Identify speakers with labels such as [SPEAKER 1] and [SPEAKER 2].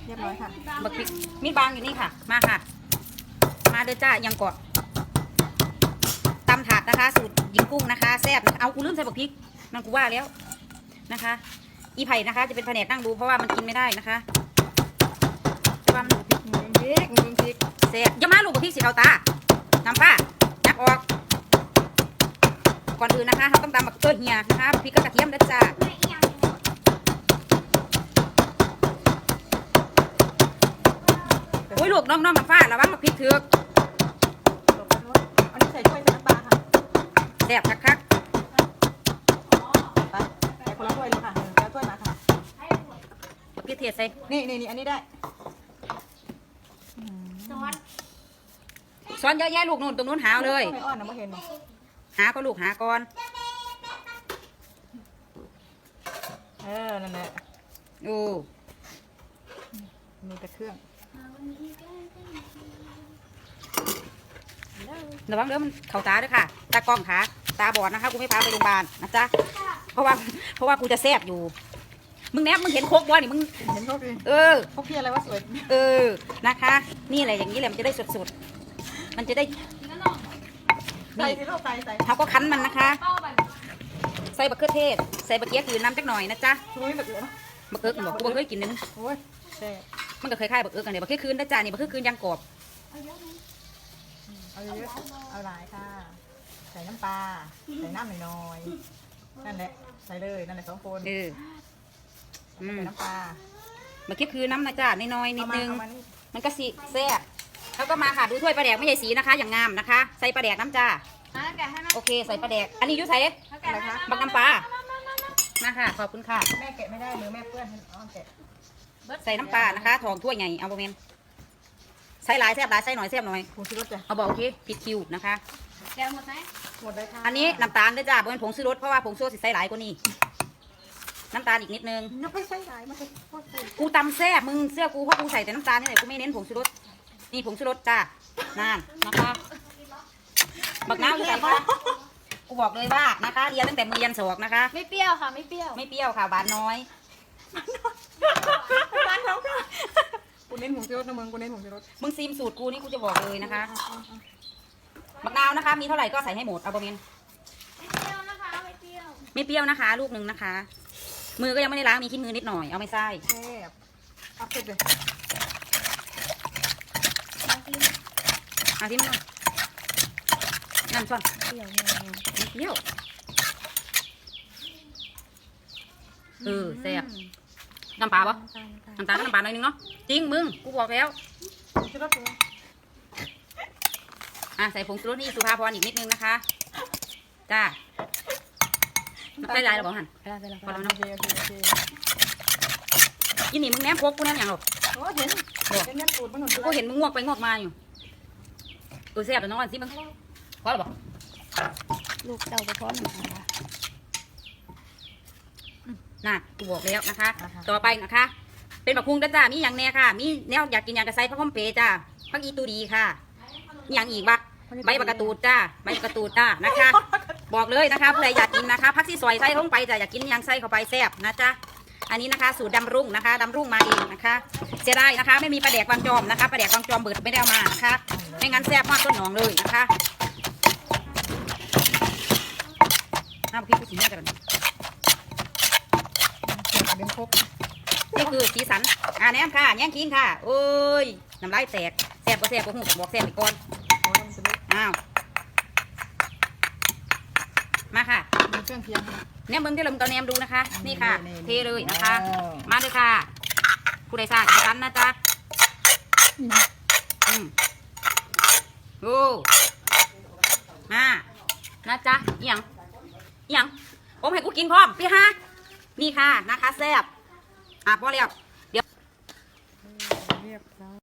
[SPEAKER 1] เรียบร้อยค่ะ
[SPEAKER 2] บักพริกมีดบางอยู่นี่ค่ะมาค่ะมาเด้อจ้ายังกอดตำถาดนะคะสูตรหญิงกุ้งนะคะแซ่บเอากูลืมใส่บักพริกนั่นกูว่าแล้วนะคะอีไผ่นะคะจะเป็นแผนกนั่งดูเพราะว่ามันกินไม่ได้นะคะแต่ว่ามันพริกแซ่บอย่ามาลูกบักพริกสีขาวตาน้ำป้ายักออกก่อนอื่นนะคะเราต้องตำบักเฮียนะคะบักพริกกับกระเทียมเด้อจ้าโอ้ยลูกน้องน้ำฟ้าระวังบักพริกเถือก
[SPEAKER 1] อันนี้ใส่ถ้วยใส่น้ำปลาค่ะ
[SPEAKER 2] แซ่บคัก
[SPEAKER 1] ไปใส่คนละถ้วยเลยค่ะแล้วถ้วยมาค่ะ
[SPEAKER 2] บักพริกเทศใส่
[SPEAKER 1] นี่อันนี้ได้
[SPEAKER 2] ซ้อนเยอะแยะลูกนู่นตรงนู้นหาเลย
[SPEAKER 1] ไม่อ้อนนะไม่เห็น
[SPEAKER 2] หาก็ลูกหาก่อน
[SPEAKER 1] นั่นแหละ
[SPEAKER 2] โอ้
[SPEAKER 1] มีแต่เครื่อง
[SPEAKER 2] ระวังเด้อมันเข่าตาด้วยค่ะตากล้องขาตาบอดนะคะกูไม่พาไปโรงพยาบาลนะจ๊ะเพราะว่ากูจะแซ่บอยู่มึงแนบมึงเห็นโคกบ่นี่มึง
[SPEAKER 1] เห็นโคกดิโคกพี่อะไรวะสวย
[SPEAKER 2] นะคะนี่แหละอย่างนี้แหละมันจะได้สดๆมันจะได้
[SPEAKER 1] นี่
[SPEAKER 2] เขาก็คั้นมันนะคะใส่บักเขือเทศใส่บักเกี๊ยคือน้ำจักหน่อยนะจ๊ะ
[SPEAKER 1] บักเอิ
[SPEAKER 2] กบอกกูเคยกินนึง
[SPEAKER 1] โอ้ย
[SPEAKER 2] มันก็เคยคล้ายบักเอิกกันเลยบักเขือคืนนะจ๊ะนี่บักเขือคืนยังกรอบ
[SPEAKER 1] เอาเยอะเอาหลายค่ะใส่น้ำปลาใส่น้ำน้อยนั่นแหละใส่เลยนั่นแหละ2 คนใส่น้ำปลา
[SPEAKER 2] บักเขือคืนน้ำนะจ๊ะน้อยนิดนึงมันก็สีแซ่บแล้วก็มาค่ะดูถ้วยปลาแดกไม่ใช่สีนะคะอย่างงามนะคะใส่ปลาแดกน้ำจ้าโอเคใส่ปลาแดกอันนี้ยุ้ยใส่
[SPEAKER 1] อะไรคะ
[SPEAKER 2] บักน้ำปลามาค่ะขอบคุณค่ะ
[SPEAKER 1] แม่แกะไม่ได้มือแม่เปื้อนอ้อมแกะ
[SPEAKER 2] ใส่น้ำปลานะคะทองถ้วยใหญ่เอาโมเมนใส่หลายแซ่บหลายใส่หน่อยแซ่บหน่อย
[SPEAKER 1] ผงชูรสจ้ะ
[SPEAKER 2] เอาบอกโอเคผิดคิวนะคะ
[SPEAKER 3] แกหมดไหม
[SPEAKER 1] หมดเลยค่ะ
[SPEAKER 2] อันนี้น้ำตาลด้วยจ้าเป็นผงชูรสเพราะว่าผงชูรสใส่หลายกว่านี้น้ำตาลอีกนิดนึง
[SPEAKER 1] ไม่ใส่หลายมันจะ
[SPEAKER 2] กูตำแซ่บมึงเสื้อกูเพราะกูใส่แต่น้ำตาลนี่แหละกูไม่เน้นผงชูรสนี่ผงชูรสจ้านั่นนะคะบักน้ำอยู่ไหนคะกูบอกเลยว่านะคะเรียนตั้งแต่มือยันศอกนะคะ
[SPEAKER 3] ไม่เปรี้ยวค่ะไม่เปรี้ยว
[SPEAKER 2] ไม่เปรี้ยวค่ะหวานน้อย
[SPEAKER 1] บ้านเขาค่ะกูเน้นผงชูรสนะมึงกูเน้นผงชูรส
[SPEAKER 2] มึงซีมสูตรกูนี่กูจะบอกเลยนะคะบักนาวนะคะมีเท่าไหร่ก็ใส่ให้หมดเอาบะเมน
[SPEAKER 3] ไม่เปรี้ยวนะคะไม่เปรี้ยว
[SPEAKER 2] ไม่เปรี้ยวนะคะลูกหนึ่งนะคะมือก็ยังไม่ได้ล้างมีขี้มือนิดหน่อยเอาไม่ใส่
[SPEAKER 1] แซ่บเอาเผ็ดเลย
[SPEAKER 2] ที่มันน้ำช้อน
[SPEAKER 3] เปรี้ยว
[SPEAKER 2] เปรี้ยวแซ่บน้ำปลาปะน้ำตาลน้ำปลาหน่อยนึงเนาะจริงมึงกูบอกแล้วใส่ผงชูรสนี่สุภาพรอีกนิดนึงนะคะจ้าใส่ลายเราบอกหันพอแล้วนะยี่นี่มึงแนมพกกูแนมอย่างหรอ
[SPEAKER 1] เห็นแนมสูตรมันหนุน
[SPEAKER 2] กูเห็นมึงงวกไปงวกมาอยู่แซ่บแต่น้องวันสิมึงพอหรือเปล่า
[SPEAKER 3] ลูกเต่าไปพร้อมหนึ่งค่ะ
[SPEAKER 2] น่ะกูบอกแล้วนะคะต่อไปนะคะเป็นบักพุงจ้ามีอย่างแน่ค่ะมีแนวอยากกินอย่างกระไซพระคอมเปจ้าพักอีตูดีค่ะอย่างอีกบะใบบักกระตูดจ้าใบบักกระตูดจ้านะคะบอกเลยนะคะผู้ใดอยากกินนะคะพักที่ซอยไส้ลงไปจ้าอยากกินอย่างไส้เข้าไปแซ่บนะจ้าอันนี้นะคะสูตรดำรุ่งนะคะดำรุ่งมาเองนะคะเสียดายนะคะไม่มีปลาแดกบางจอมนะคะปลาแดกบางจอมเบิดไม่ได้เอามานะคะไม่งั้นแซ่บมากต้นหนองเลยนะคะน้ำพริกสีนี่กัน
[SPEAKER 1] เป็นครบ
[SPEAKER 2] นี่คือสีสันแนมค่ะแย่งคิงค่ะโอ้ยน้ำลายแตกแซ่บก็แซ่บก็หูบอกแซ่บไปก่อนอ้าวมาค่ะ
[SPEAKER 1] เครื่องเคียง
[SPEAKER 2] แนมเบิ้งที่เราตอนแนมดูนะคะนี่ค่ะเทเลยนะคะมาเลยค่ะผู้ใดทราบสีสันนะจ๊ะโอ้มานะจ๊ะยังผมให้กูกินพร้อมพี่ฮะนี่ค่ะนะคะแซ่บพอแล้ว